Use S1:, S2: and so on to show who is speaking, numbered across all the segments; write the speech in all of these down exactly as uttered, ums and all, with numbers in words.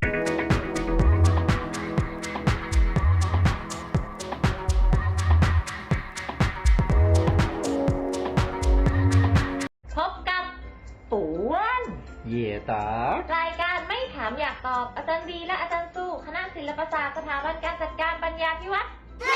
S1: พบกับปู่อ้วน
S2: เหย่ตาร
S1: ายการไม่ถามอยากตอบอาจารย์ดีและอาจารย์สู้คณะศิลปศาสตร์สถาบันการจัดการปัญญาพิวัตร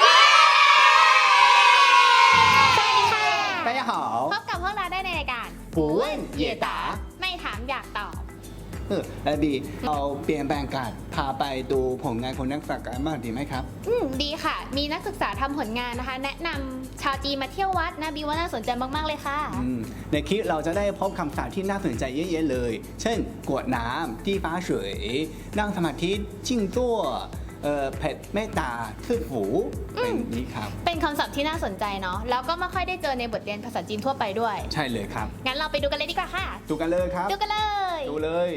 S3: สวัสดีค่ะ
S2: 大家好
S3: พบกับพวกเราได้ในรายการ
S2: ปู่อ้วนเหย่ตา
S3: ไม่ถามอยากตอบ
S2: เออแล้วดีเอาเปลี่ยนแปลงการพาไปดูผลงานของนักศึกษากันบ้างดีไหมครับ
S3: อืมดีค่ะ มีนักศึกษาทำผลงานนะคะ แนะนำชาวจีนมาเที่ยววัดนะบีว่าน่าสนใจมากๆเลยค่ะ
S2: ในคลิปเราจะได้พบคำศัพท์ที่น่าสนใจเยอะๆเลย เช่นกวดน้ำที่ฟ้าสวยนั่งสมาธิจิ้งตัวเอ่อเผ็ดเมตตาทึ่หูเป็นนี้ครับ
S3: เป็นคำศัพท์ที่น่าสนใจเนาะแล้วก็ไม่ค่อยได้เจอในบทเรียนภาษาจีนทั่วไปด้วย
S2: ใช่เลยครับ
S3: งั้นเราไปดูกันเลยดีกว่าค่ะ
S2: ดูกันเลยครับ
S3: ดูกันเลย
S2: ดูเลย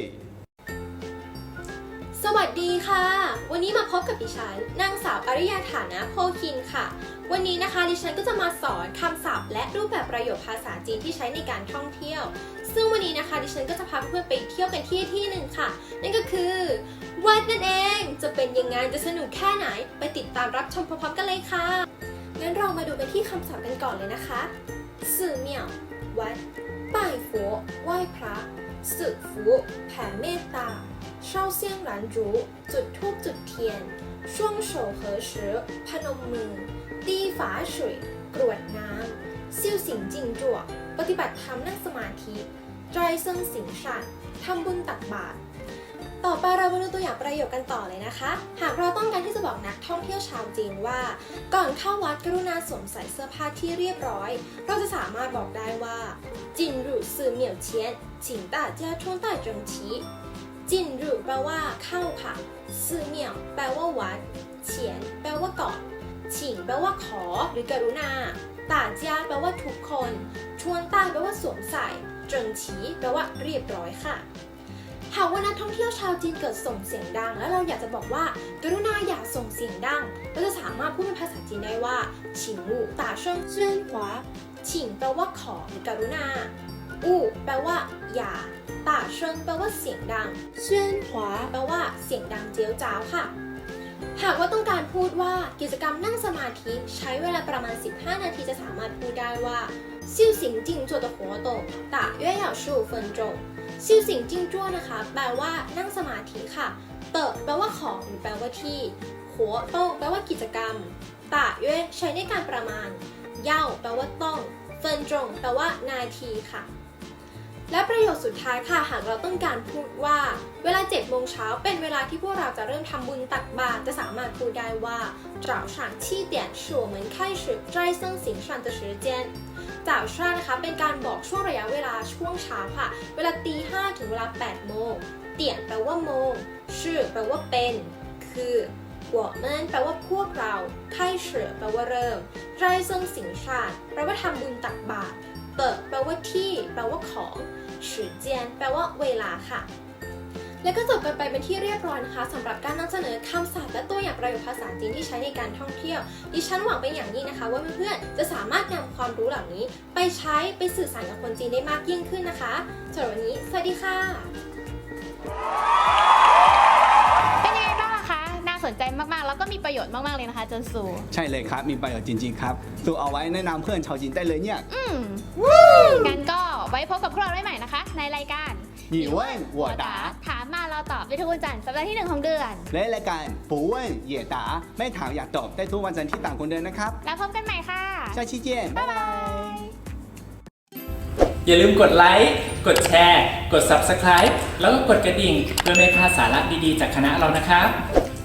S4: สวัสดีค่ะวันนี้มาพบกับดิฉันนางสาวอริยาฐานะโพคินค่ะวันนี้นะคะดิฉันก็จะมาสอนคำศัพท์และรูปแบบประโยคภาษาจีนที่ใช้ในการท่องเที่ยวซึ่งวันนี้นะคะดิฉันก็จะพาเพื่อนไปเที่ยวกันที่ที่หนึ่งค่ะนั่นก็คือวัดนั่นเองจะเป็นยังไงจะสนุกแค่ไหนไปติดตามรับชมพร้อมๆกันเลยค่ะงั้นเรามาดูกันที่คำศัพท์กันก่อนเลยนะคะสื่อเมี่ยววัดป่ายฝัวไหว้พระสึกฟูแผ่เมตตาเช่าเซียงหลานจูจุดธูปจุดเทียนช่วงโฉเหอชือพนมมือตีฝาสวยกรวดน้ำซิ่วสิงจิงจั่วปฏิบัติธรรมนั่งสมาธิใจเซิงสิงชันทำบุญตักบาตรต่อไปเรามาดูตัวอย่างประโยคกันต่อเลยนะคะหากเราต้องการที่จะบอกนักท่องเที่ยวชาวจีนว่าก่อนเข้าวัดกรุณาสวมใส่เสื้อผ้าที่เรียบร้อยเราจะสามารถบอกได้ว่าจินรูซื่อเหมี่ยวเชียน请大家穿戴整齐จินรูแปลว่าเข้าค่ะซื่อเหมี่ยวแปลว่าวัดเฉียนแปลว่าก่อนฉิงแปลว่าขอหรือกรุณาต่าเจียแปลว่าทุกคนชวนต้าแปลว่าสวมใส่เจิงฉีแปลว่าเรียบร้อยค่ะหากว่านักท่องเที่ยวชาวจีนเกิดส่งเสียงดังแล้วเราอยากจะบอกว่ากรุณาอย่าส่งเสียงดังเราจะสามารถพูดเป็นภาษาจีนได้ว่าฉิงวูต่าเชิงเจี้ยนหวาฉิงแปลว่าขอหรือกรุณาอู้แปลว่าอย่าต่าเชิงแปลว่าเสียงดังเจี้ยนหวาแปลว่าเสียงดังเจียวจ้าวค่ะหากว่าต้องการพูดว่ากิจกรรมนั่งสมาธิใช้เวลาประมาณสิบห้านาทีจะสามารถพูดได้ว่าซิ่วสิงจิงจั่ว的活动大约要十五分钟ซิ่วสิงจิงจั่วนะคะแปลว่านั่งสมาธิค่ะเต๋อแปลว่าของหรือแปลว่าที่หัวโต้แปลว่ากิจกรรมตะเย่ใช้ในการประมาณเย่าแปลว่าต้องเฟินจงแปลว่านาทีค่ะและประโยคสุดท้ายค่ะหากเราต้องการพูดว่าเวลาเจ็ดโมงเช้าเป็นเวลาที่พวกเราจะเริ่มทำบุญตักบาตรจะสามารถพูดได้ว่า早上七点是我们开始斋僧行善的时间早上นะคะเป็นการบอกช่วงระยะเวลาช่วงเช้าค่ะเวลาตีห้าถึงเวลาแปดโมงเตี่ยนแปลว่าโมงชื่อแปลว่าเป็นคือ我们แปลว่าพวกเรา开始แปลว่าเริ่ม斋僧行善แปลว่าทำบุญตักบาตรเปิดแปลว่าที่แปลว่าของ时间แปลว่าเวลาค่ะและก็จบกันไปเป็นที่เรียบร้อยนะคะสำหรับการนำเสนอคำศัพท์และตัวอย่างประโยคภาษาจีนที่ใช้ในการท่องเที่ยวดิฉันหวังเป็นอย่างยิ่งนะคะว่าเพื่อนๆจะสามารถนำความรู้เหล่านี้ไปใช้ไปสื่อสารกับคนจีนได้มากยิ่งขึ้นนะคะสำหรับวันนี้สวัสดีค่ะ
S3: เป็นยังไงบ้างคะน่าสนใจมากๆแล้วก็มีประโยชน์มากๆเลยนะคะเจินซู
S2: ใช่เลยครับมีประโยชน์จริงๆครับสูเอาไว้แนะนำเพื่อนชาวจีนได้เลยเนี่ย
S3: อืมงั้นก็ไว้พบกับพวกเราได้ใหม่นะคะในรายการ
S2: หยี่เว่นหัวตา
S3: ถามมาเราตอบในทุกวันจันทร์สัปดาห์ที่หนึ่งของเดือน
S2: และรายการปู่เว่นเหย่ตาไม่ถามอยากตอบได้ทุกวันจันทร์ที่ต่างคนเดินนะครับ
S3: แล้วพบกันใหม่ค่ะ
S2: 下期见
S3: บ๊ายบาย
S5: อย่าลืมกดไลค์กดแชร์กด ซับสไครบ์ แล้วก็กดกระดิ่งเพื่อไม่พลาดสาระดีๆจากคณะเรานะครับ